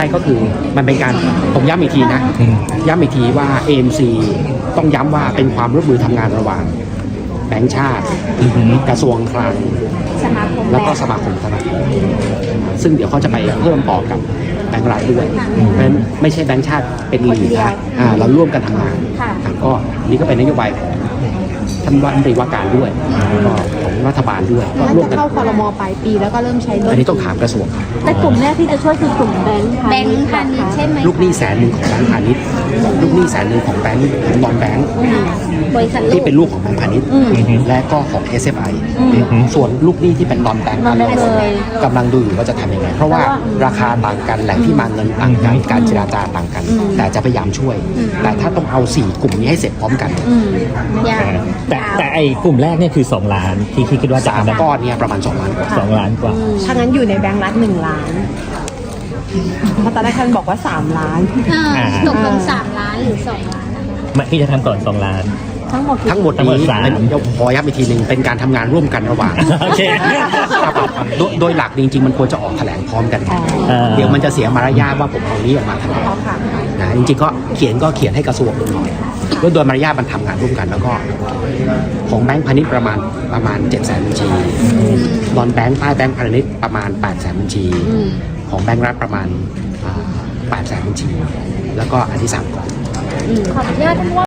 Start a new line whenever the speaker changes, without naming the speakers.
ก็คือมันเป็นการผมย้ำอีกทีนะย้ำอีกทีว่า AMC ต้องย้ำว่าเป็นความร่วมมือทำงานระหว่างแบงก์ชาติกระทรวงคลังแล้วก็สมาคมธนาคารซึ่งเดี๋ยวเขาจะไปเพิ่มต่อกับแบงก์รัฐด้วยเพราะฉะนั้นไม่ใช่แบงก์ชาติเป็นลีดนะเราร่วมกันทำงานก็นี่ก็เป็นนโยบายของท่านรัฐมนตรีว่าการด้วยก็ของรัฐบาลด้วยก็ร่วมกัน
เข้าครม.ปลายปีแล้วก็เริ่มใช้
อันนี้ต้องถามกระทรวง
แต่กลุ่มแรกที่จะช่วยคือกลุ่มแบงค์พาณิชย์ใช่ไหม
ลูกหนี้100,000ของแบงก์พาณิชย์ลูกหนี้100,000ของแบงก์ของนอนแบงก์
บริษัท
ที่เป็นลูกของแบงก์พาณิชย์และก็ของ SFI ส่วนลูกหนี้ที่เป็นนอนแบงก์กำลังดูอยู่ว่าจะทำยังไงเพราะว่าราคาต่างกันแหล่งที่มาเงินต่างกันการเจรจาต่างกันแต่จะพยายามช่วยแต่ถ้าต้องเอา4กลุ่มนี้ให้เสร็จพร้อมกัน
แต่ไอ้กลุ่มแรกเนี่ยคือ2 ล้านที่คิดว่าจะทำได้
ก้อนเนี่ยประมาณ2 ล้านกว่า
2 ล้านกว่า
ถ้างั้นอยู่ในแบงก์รัฐ1 ล้านเพราะตอนแรกท่านบอกว่า3 ล้าน
ตกลง3 ล้านหรือ2 ล้าน
พี่จะทำก่อน2 ล้าน
ทั้งหมดนี้พอย้ำอีกทีหนึ่งเป็นการทำงานร่วมกันระหว่างโดยหลักจริงๆมันควรจะออกแถลงพร้อมกันเดี๋ยวมันจะเสียมารยาทว่าผมเอานี้ออกมาแถลงนะจริงๆก็เขียนให้กระทรวงหน่อยโดยมารยาทมันทำงานร่วมกันแล้วก็ของแบงก์พาณิชย์ประมาณ700,000 บัญชีนอนแบงก์ใต้แบงก์พาณิชย์ประมาณ800,000 บัญชีของแบงก์รัฐประมาณ800,000 บัญชีแล้วก็อันที่3ก่อน
ขออนุญาต